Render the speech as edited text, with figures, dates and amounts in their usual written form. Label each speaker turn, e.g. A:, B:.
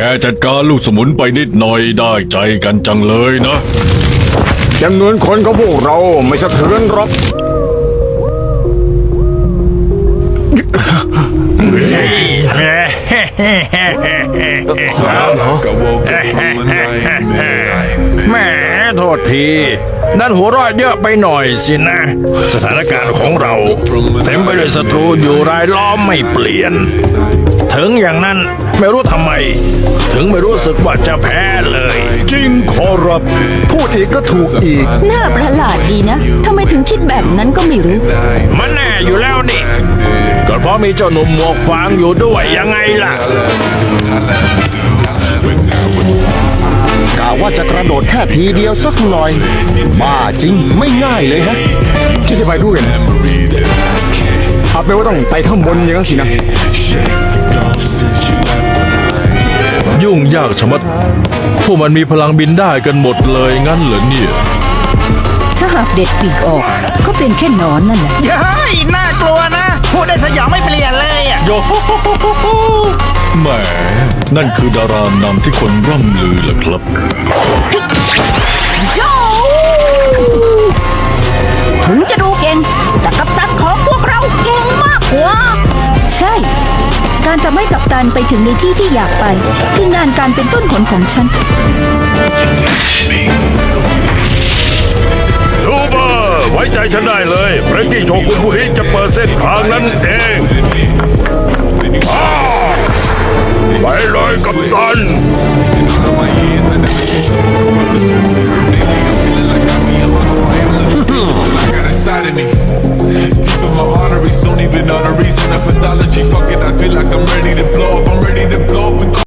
A: ค่จัดการลูกสมุนไปนิดหน่อยได้ใจกันจังเลยนะ
B: จำนวนคนของพวกเราไม่สะเทือนหรอก
C: แหมโทษทีนั่นหัวเรอดเยอะไปหน่อยสินะ สถานการณ์ของเราเต็มไปด้วยศัตรูอยู่รายล้อมไม่เปลี่ยน ถึงอย่างนั้นไม่รู้ทำไม ถึงไม่รู้สึกว่าจะแพ้เลย
B: จริงขอรับพูดอีกก็ถูกอีก
D: น่าประหลาดดีนะทำไมถึงคิดแบบนั้นก็ไม่รู้
C: มันแน่อยู่แล้วนี่ก็เพราะมีเจ้าหนุ่มหมวกฟางอยู่ด้วยยังไงล่ะ
B: กะว่าจะกระโดดแค่ทีเดียวสักหน่อย บ้าจริงไม่ง่ายเลยฮะจะไปด้วยนะเอาไปนว่าต้องไปข้างบนอย่างนั้นสินะ
A: ยุ่งยากชะมัด พวกมันมีพลังบินได้กันหมดเลยงั้นเหรอเนี่ย
D: ถ้าหากเด็ดปีกออก ก็เป็นแค่หนอนนั่นแหละ
E: เฮ้ยน่ากลัวนะ พูดได้สยองไม่เปลี่ยนเลยอ่ะ
A: โยโฮโฮโฮโฮโฮแหมนั่นคือดารานำที่คนร่ำลือเหรอครับ
D: โจ้ถึงจะดูเก่ง แต่กัปตันของพวกเราเก่งมากกว่า ใช่ การทำให้กัปตันไปถึงในที่ที่อยากไป คืองานการเป็นต้นผลของฉัน
C: ซูเปอร์ไว้ใจฉันได้เลยเฟรนกี้โชกุนผู้นี้จะเปิดเส้นทางนั้นเองไปเลยกัปตัน